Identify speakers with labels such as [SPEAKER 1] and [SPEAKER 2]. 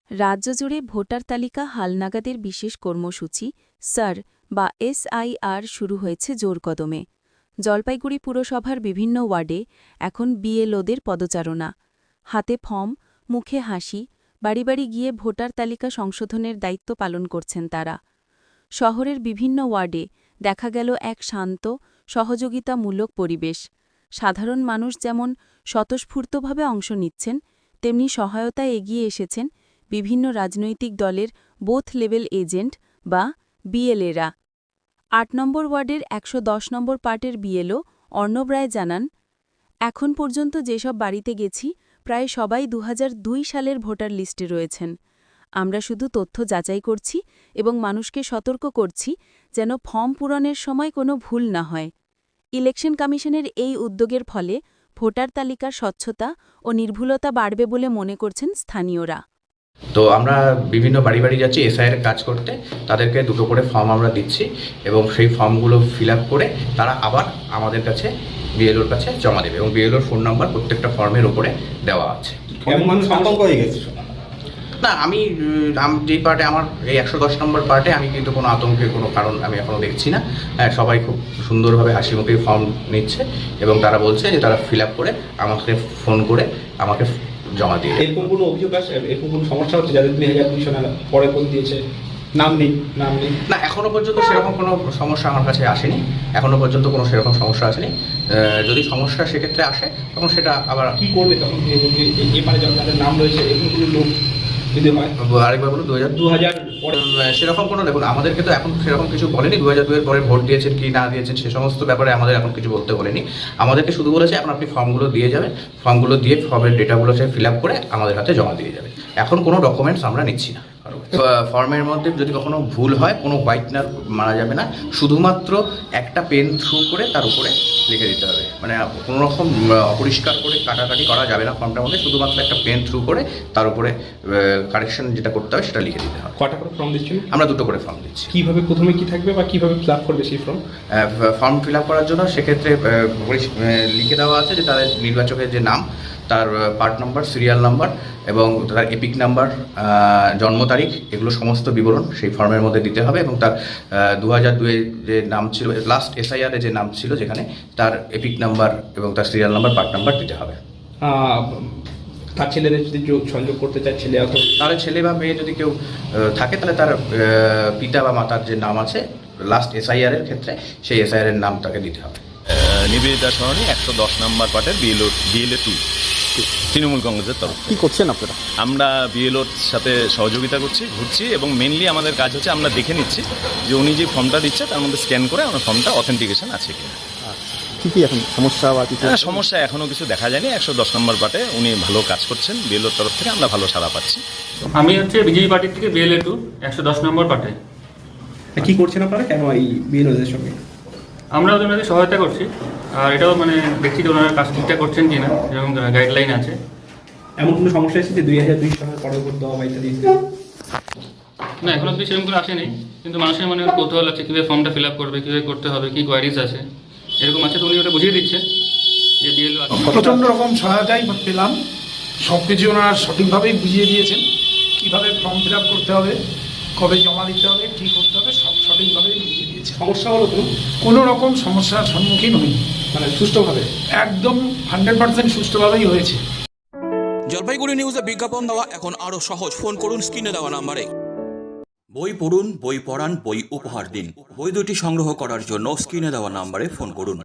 [SPEAKER 1] রাজ্য জুড়ে ভোটার তালিকা হালনাগাদের বিশেষ কর্মসূচি সার বা SIR শুরু হয়েছে জোরকদমে। জলপাইগুড়ি পুরসভার বিভিন্ন ওয়ার্ডে এখন বিএলওদের পদচারণা। হাতে ফর্ম, মুখে হাসি, বাড়ি বাড়ি গিয়ে ভোটার তালিকা সংশোধনের দায়িত্ব পালন করছেন তারা। শহরের বিভিন্ন ওয়ার্ডে দেখা গেল এক শান্ত, সহযোগিতামূলক পরিবেশ। সাধারণ মানুষ যেমন স্বতঃস্ফূর্তভাবে অংশ নিচ্ছেন, তেমনি সহায়তায় এগিয়ে এসেছেন বিভিন্ন রাজনৈতিক দলের বোথ লেভেল এজেন্ট বা বিএলএরা। ৮ নম্বর ওয়ার্ডের ১১০ নম্বর পার্টের বিএলও অর্ণব রায় জানান, এখন পর্যন্ত যেসব বাড়িতে গেছি প্রায় সবাই ২০০২ সালের ভোটার লিস্টে রয়েছেন। আমরা শুধু তথ্য যাচাই করছি এবং মানুষকে সতর্ক করছি যেন ফর্ম পূরণের সময় কোনো ভুল না হয়। ইলেকশন কমিশনের এই উদ্যোগের ফলে ভোটার তালিকার স্বচ্ছতা ও নির্ভুলতা বাড়বে বলে মনে করছেন স্থানীয়রা।
[SPEAKER 2] তো আমরা বিভিন্ন বাড়ি বাড়ি যাচ্ছি এসআইয়ের কাজ করতে, তাদেরকে দুটো করে ফর্ম আমরা দিচ্ছি এবং সেই ফর্মগুলো ফিল আপ করে তারা আবার আমাদের কাছে বিএলওর কাছে জমা দেবে এবং বিএলওর ফোন নাম্বার প্রত্যেকটা ফর্মের উপরে দেওয়া আছে।
[SPEAKER 3] মানুষ আতঙ্ক হয়ে গেছে
[SPEAKER 2] না, আমি যেই পার্টে আমার এই ১১০ নম্বর পার্টে আমি কিন্তু কোনো আতঙ্কের কোনো কারণ আমি এখনও দেখছি না। সবাই খুব সুন্দরভাবে হাসি মুখে ফর্ম নিচ্ছে এবং তারা বলছে যে তারা ফিল আপ করে আমাকে ফোন করে আমাকে জমা দিয়ে।
[SPEAKER 3] এরকম কোনো অভিযোগ আছে, এরকম কোনো সমস্যা হচ্ছে যাদের ২০২০ সালে পরে ফোন দিয়েছে নাম নেই? না,
[SPEAKER 2] এখনো পর্যন্ত সেরকম কোনো সমস্যা আমার কাছে আসেনি। এখনো পর্যন্ত কোনো সেরকম সমস্যা আসেনি। যদি সমস্যা সেক্ষেত্রে আসে তখন সেটা আবার
[SPEAKER 3] কি করবে তখন? এবারে যাদের নাম রয়েছে এরকম কোনো লোক যদি হয়,
[SPEAKER 2] আরেকবার বলুন।
[SPEAKER 3] ২০০০ পরে
[SPEAKER 2] সেরকম কোনো, দেখুন আমাদেরকে তো এখন সেরকম কিছু বলেনি। ২০০২-এর পরে ভোট দিয়েছেন কি না দিয়েছেন সে সমস্ত ব্যাপারে আমাদের এখন কিছু বলতে বলেনি। আমাদেরকে শুধু বলেছে এখন আপনি ফর্মগুলো দিয়ে যাবেন, ফর্মগুলো দিয়ে ফর্মের ডেটাগুলো সে ফিল আপ করে আমাদের হাতে জমা দিয়ে যাবে। এখন কোনো ডকুমেন্টস আমরা নিচ্ছি না। ফর্মের মধ্যে যদি কখনো ভুল হয় কোনো হোয়াইটনার মারা যাবে না, শুধুমাত্র একটা পেন থ্রু করে তার উপরে লিখে দিতে হবে। মানে কোনো রকম অপরিষ্কার করে কাটাকাটি করা যাবে না ফর্মটার মধ্যে, শুধুমাত্র একটা পেন থ্রু করে তার উপরে কারেকশন যেটা করতে হবে সেটা লিখে দিতে হবে।
[SPEAKER 3] কটা করে ফর্ম দিচ্ছেন?
[SPEAKER 2] আমরা দুটো করে ফর্ম দিচ্ছি।
[SPEAKER 3] কীভাবে প্রথমে কি থাকবে বা কীভাবে ফিল আপ করবে সেই ফর্ম?
[SPEAKER 2] ফর্ম ফিল আপ করার জন্য সেক্ষেত্রে লিখে দেওয়া আছে যে তাদের নির্বাচকের যে নাম, তার পার্ট নাম্বার, সিরিয়াল নাম্বার এবং তার এপিক নাম্বার, জন্ম তারিখ, এগুলো সমস্ত বিবরণ সেই ফর্মের মধ্যে দিতে হবে এবং তার ২০০২-এ যে নাম ছিল, লাস্ট এসআইআরে যে নাম ছিল যেখানে, তার এপিক নাম্বার এবং তার সিরিয়াল নাম্বার, পার্ট নাম্বার দিতে হবে।
[SPEAKER 3] তার ছেলেদের যদি সংযোগ করতে চায় ছেলে,
[SPEAKER 2] তাহলে ছেলে বা মেয়ে যদি কেউ থাকে তাহলে তার পিতা বা মাতার যে নাম আছে লাস্ট এসআইআরের ক্ষেত্রে সেই এসআইআরের নাম তাকে দিতে হবে।
[SPEAKER 4] নিবেদিতা সরণি ১১০ নম্বর পার্টের বিএলএ 2 তৃণমূল কংগ্রেসের তরফ।
[SPEAKER 3] কি করছেন আপনারা?
[SPEAKER 4] আমরা বিএলওর সাথে সহযোগিতা করছি, ঘুরছি এবং মেনলি আমাদের কাজ হচ্ছে আমরা দেখে নিচ্ছি যে উনি যে ফর্মটা দিচ্ছে তার মধ্যে স্ক্যান করে আমার ফর্মটা অথেন্টিকেশন আছে কিনা।
[SPEAKER 3] কি এখন সমস্যা বা কিছু?
[SPEAKER 4] সমস্যা এখনও কিছু দেখা যায়নি। ১১০ নম্বর পার্টে উনি ভালো কাজ করছেন, বিএলওর তরফ থেকে আমরা ভালো সাড়া পাচ্ছি।
[SPEAKER 5] আমি হচ্ছে বিজেপি পার্টির থেকে বিএলএ 2 ১১০ নম্বর পার্টে।
[SPEAKER 3] কি করছেন আপনারা কেন এই বিএলওদের সঙ্গে?
[SPEAKER 5] আমরা ওনাদের সহায়তা করছি, আর এটাও মানে দেখছি যে ওনারা কাজ ঠিকঠাক করছেন কিনা, যেরকম গাইডলাইন আছে।
[SPEAKER 3] এমন কোনো সমস্যা এসেছে যে ২০০২ সালের পরে ভোট দেওয়া বা ইত্যাদি?
[SPEAKER 5] না, এখনো অব্দি সেরকম করে আসেনি, কিন্তু মানুষের মনে কৌতূহল আছে কীভাবে ফর্মটা ফিল আপ করবে, কীভাবে করতে হবে, কী কোয়ারিজ আছে এরকম আছে, তো উনি ওটা বুঝিয়ে দিচ্ছে যে বিএলও
[SPEAKER 6] প্রচণ্ড রকম সহায়তাই পেলাম। সব কিছু ওনারা সঠিকভাবেই বুঝিয়ে দিয়েছেন, কীভাবে ফর্ম ফিল আপ করতে হবে, কবে জমা দিতে হবে, কী করতে হবে, সব সঠিকভাবেই বুঝিয়ে দিয়েছে।
[SPEAKER 3] সমস্যা হলো
[SPEAKER 6] কোনো রকম সমস্যার সম্মুখীন হইনি,
[SPEAKER 3] মানে সুষ্ঠুভাবে,
[SPEAKER 6] একদম 100% সুষ্ঠুভাবেই হয়েছে।
[SPEAKER 7] জলপাইগুড়ি নিউজে বিজ্ঞাপন দেওয়া এখন আরও সহজ। ফোন করুন স্ক্রিনে দেওয়া নাম্বারে। বই পড়ুন, বই পড়ান, বই উপহার দিন। বই দুটি সংগ্রহ করার জন্য স্ক্রিনে দেওয়া নাম্বারে ফোন করুন।